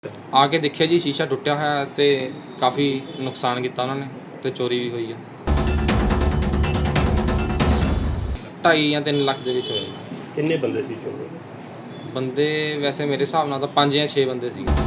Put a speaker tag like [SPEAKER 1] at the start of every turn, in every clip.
[SPEAKER 1] ਆ ਕੇ ਦੇਖਿਆ ਜੀ ਸ਼ੀਸ਼ਾ ਟੁੱਟਿਆ ਹੋਇਆ ਤੇ ਕਾਫੀ ਨੁਕਸਾਨ ਕੀਤਾ ਉਹਨਾਂ ਨੇ ਤੇ ਚੋਰੀ ਵੀ ਹੋਈ ਆ। 2.5 ਜਾਂ 3 ਲੱਖ ਦੇ ਵਿੱਚ ਹੋਇਆ ਜੀ।
[SPEAKER 2] ਕਿੰਨੇ ਬੰਦੇ ਸੀ ਚੋਰ?
[SPEAKER 1] ਬੰਦੇ ਵੈਸੇ ਮੇਰੇ ਹਿਸਾਬ ਨਾਲ ਤਾਂ 5 ਜਾਂ 6 ਬੰਦੇ ਸੀਗੇ।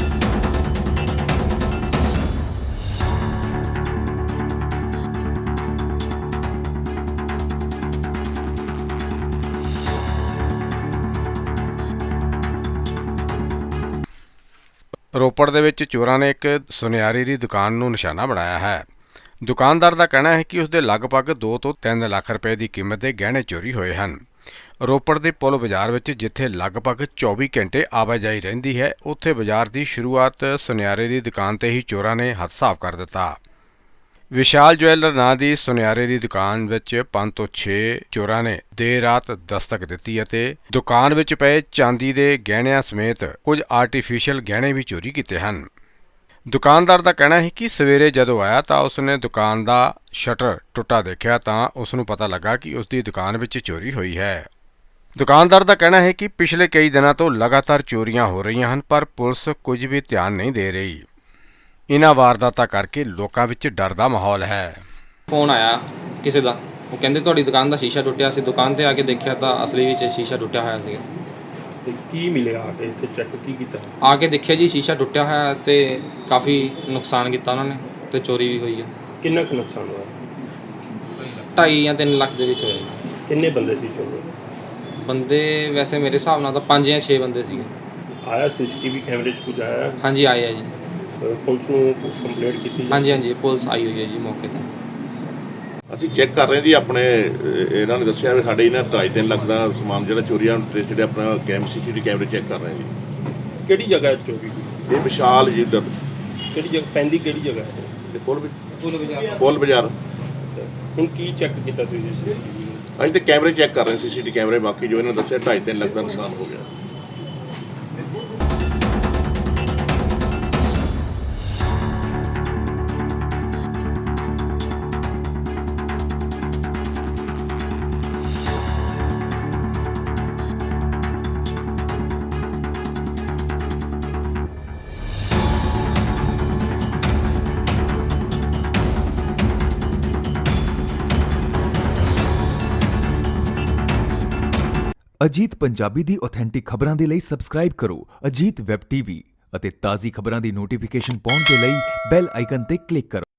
[SPEAKER 3] ਰੋਪੜ ਦੇ ਵਿੱਚ ਚੋਰਾਂ ਨੇ ਇੱਕ ਸੁਨਿਆਰੀ ਦੀ ਦੁਕਾਨ ਨੂੰ ਨਿਸ਼ਾਨਾ ਬਣਾਇਆ ਹੈ। ਦੁਕਾਨਦਾਰ ਦਾ ਕਹਿਣਾ ਹੈ ਕਿ ਉਸਦੇ ਲਗਭਗ 2 ਤੋਂ 3 ਲੱਖ ਰੁਪਏ ਦੀ ਕੀਮਤ ਦੇ ਗਹਿਣੇ ਚੋਰੀ ਹੋਏ ਹਨ। ਰੋਪੜ ਦੇ ਪੁਲ ਬਾਜ਼ਾਰ ਵਿੱਚ ਜਿੱਥੇ ਲਗਭਗ 24 ਘੰਟੇ ਆਵਾਜਾਈ ਰਹਿੰਦੀ ਹੈ, ਉੱਥੇ ਬਾਜ਼ਾਰ ਦੀ ਸ਼ੁਰੂਆਤ ਸੁਨਿਆਰੇ ਦੀ ਦੁਕਾਨ ਤੇ ਹੀ ਚੋਰਾਂ ਨੇ ਹੱਥ ਸਾਫ਼ ਕਰ ਦਿੱਤਾ। ਵਿਸ਼ਾਲ ਜਵੈਲਰ ਨਾਂ ਦੀ ਸੁਨਿਆਰੇ ਦੀ ਦੁਕਾਨ ਵਿੱਚ 5 ਤੋਂ 6 ਚੋਰਾਂ ਨੇ ਦੇਰ ਰਾਤ ਦਸਤਕ ਦਿੱਤੀ ਅਤੇ ਦੁਕਾਨ ਵਿੱਚ ਪਏ ਚਾਂਦੀ ਦੇ ਗਹਿਣਿਆਂ ਸਮੇਤ ਕੁਝ ਆਰਟੀਫੀਸ਼ੀਅਲ ਗਹਿਣੇ ਵੀ ਚੋਰੀ ਕੀਤੇ ਹਨ। ਦੁਕਾਨਦਾਰ ਦਾ ਕਹਿਣਾ ਹੈ ਕਿ ਸਵੇਰੇ ਜਦੋਂ ਆਇਆ ਤਾਂ ਉਸਨੇ ਦੁਕਾਨ ਦਾ ਸ਼ਟਰ ਟੁੱਟਾ ਦੇਖਿਆ ਤਾਂ ਉਸ ਨੂੰ ਪਤਾ ਲੱਗਾ ਕਿ ਉਸ ਦੀ ਦੁਕਾਨ ਵਿੱਚ ਚੋਰੀ ਹੋਈ ਹੈ। ਦੁਕਾਨਦਾਰ ਦਾ ਕਹਿਣਾ ਹੈ ਕਿ ਪਿਛਲੇ ਕਈ ਦਿਨਾਂ ਤੋਂ ਲਗਾਤਾਰ ਚੋਰੀਆਂ ਹੋ ਰਹੀਆਂ ਹਨ, ਪਰ ਪੁਲਿਸ ਕੁਝ ਵੀ ਧਿਆਨ ਨਹੀਂ ਦੇ ਰਹੀ। ਇਹਨਾਂ ਵਾਰਦਾਤਾਂ ਕਰਕੇ ਲੋਕਾਂ ਵਿੱਚ ਡਰ ਦਾ ਮਾਹੌਲ ਹੈ।
[SPEAKER 1] ਫੋਨ ਆਇਆ ਕਿਸੇ ਦਾ, ਉਹ ਕਹਿੰਦੇ ਤੁਹਾਡੀ ਦੁਕਾਨ ਦਾ ਸ਼ੀਸ਼ਾ ਟੁੱਟਿਆ ਸੀ। ਦੁਕਾਨ ਤੇ ਆ ਕੇ ਦੇਖਿਆ ਤਾਂ ਅਸਲੀ ਵਿੱਚ ਸ਼ੀਸ਼ਾ ਟੁੱਟਿਆ ਹੋਇਆ ਸੀ।
[SPEAKER 2] ਤੇ ਕੀ ਮਿਲਿਆ ਆ ਕੇ ਇੱਥੇ ਚੈੱਕ ਕੀ ਕੀਤਾ?
[SPEAKER 1] ਆ ਕੇ ਦੇਖਿਆ ਜੀ ਸ਼ੀਸ਼ਾ ਟੁੱਟਿਆ ਹੋਇਆ ਤੇ ਕਾਫੀ ਨੁਕਸਾਨ ਕੀਤਾ ਉਹਨਾਂ ਨੇ ਤੇ ਚੋਰੀ ਵੀ ਹੋਈ ਆ।
[SPEAKER 2] ਕਿੰਨਾ ਕੁ ਨੁਕਸਾਨ ਹੋਇਆ?
[SPEAKER 1] 2.5 ਜਾਂ 3 ਲੱਖ ਦੇ ਵਿੱਚ ਹੋਇਆ ਜੀ।
[SPEAKER 2] ਕਿੰਨੇ ਬੰਦੇ ਸੀ ਚੋਰ?
[SPEAKER 1] ਬੰਦੇ ਵੈਸੇ ਮੇਰੇ ਹਿਸਾਬ ਨਾਲ ਤਾਂ 5 ਜਾਂ 6 ਬੰਦੇ ਸੀਗੇ।
[SPEAKER 2] ਆਇਆ ਸੀਸੀਟੀਵੀ ਕੈਮਰੇ 'ਚ ਕੁਝ ਆਇਆ?
[SPEAKER 1] ਹਾਂਜੀ ਆਏ ਆ ਜੀ।
[SPEAKER 2] ਪੁਲਿਸ ਨੂੰ ਕੰਪਲੇਂਟ ਕੀਤੀ?
[SPEAKER 1] ਹਾਂਜੀ ਪੁਲਿਸ ਆਈ ਹੋਈ ਹੈ ਜੀ ਮੌਕੇ ਤੇ।
[SPEAKER 4] ਅਸੀਂ ਚੈੱਕ ਕਰ ਰਹੇ ਜੀ ਆਪਣੇ ਇਹਨਾਂ ਨੇ ਦੱਸਿਆ ਵੀ ਸਾਡੇ ਇਹਨਾਂ 2.5-3 ਲੱਖ ਦਾ ਸਮਾਨ ਜਿਹੜਾ ਚੋਰੀ ਆ ਜਿਹੜੇ ਆਪਣਾ ਸੀਸੀਟੀਵੀ ਕੈਮਰੇ ਚੈੱਕ ਕਰ ਰਹੇ ਜੀ।
[SPEAKER 2] ਕਿਹੜੀ ਜਗ੍ਹਾ ਚੋਰੀ ਹੋਈ?
[SPEAKER 4] ਇਹ ਵਿਸ਼ਾਲ ਜੀ ਇੱਧਰ
[SPEAKER 2] ਕਿਹੜੀ ਜਗ੍ਹਾ ਪੈਂਦੀ? ਕਿਹੜੀ ਜਗ੍ਹਾ ਹੈ?
[SPEAKER 4] ਤੇ ਪੁਲ ਬਾਜ਼ਾਰ।
[SPEAKER 2] ਹੁਣ ਕੀ ਚੈੱਕ ਕੀਤਾ ਤੁਸੀਂ ਸੀਸੀਟੀਵੀ?
[SPEAKER 4] ਅਸੀਂ ਤੇ ਕੈਮਰੇ ਚੈੱਕ ਕਰ ਰਹੇ ਸੀਸੀਟੀਵੀ ਕੈਮਰੇ, ਬਾਕੀ ਜੋ ਇਹਨਾਂ ਨੇ ਦੱਸਿਆ 2.5-3 ਲੱਖ ਦਾ ਨੁਕਸਾਨ ਹੋ ਗਿਆ।
[SPEAKER 5] ਅਜੀਤ ਪੰਜਾਬੀ ਦੀ ਆਥੈਂਟਿਕ ਖਬਰਾਂ ਦੇ ਲਈ ਸਬਸਕ੍ਰਾਈਬ ਕਰੋ ਅਜੀਤ ਵੈਬ ਟੀਵੀ ਅਤੇ ਤਾਜ਼ੀ ਖਬਰਾਂ ਦੀ ਨੋਟੀਫਿਕੇਸ਼ਨ ਪਾਉਣ ਦੇ ਲਈ ਬੈਲ ਆਈਕਨ ਤੇ ਕਲਿੱਕ ਕਰੋ।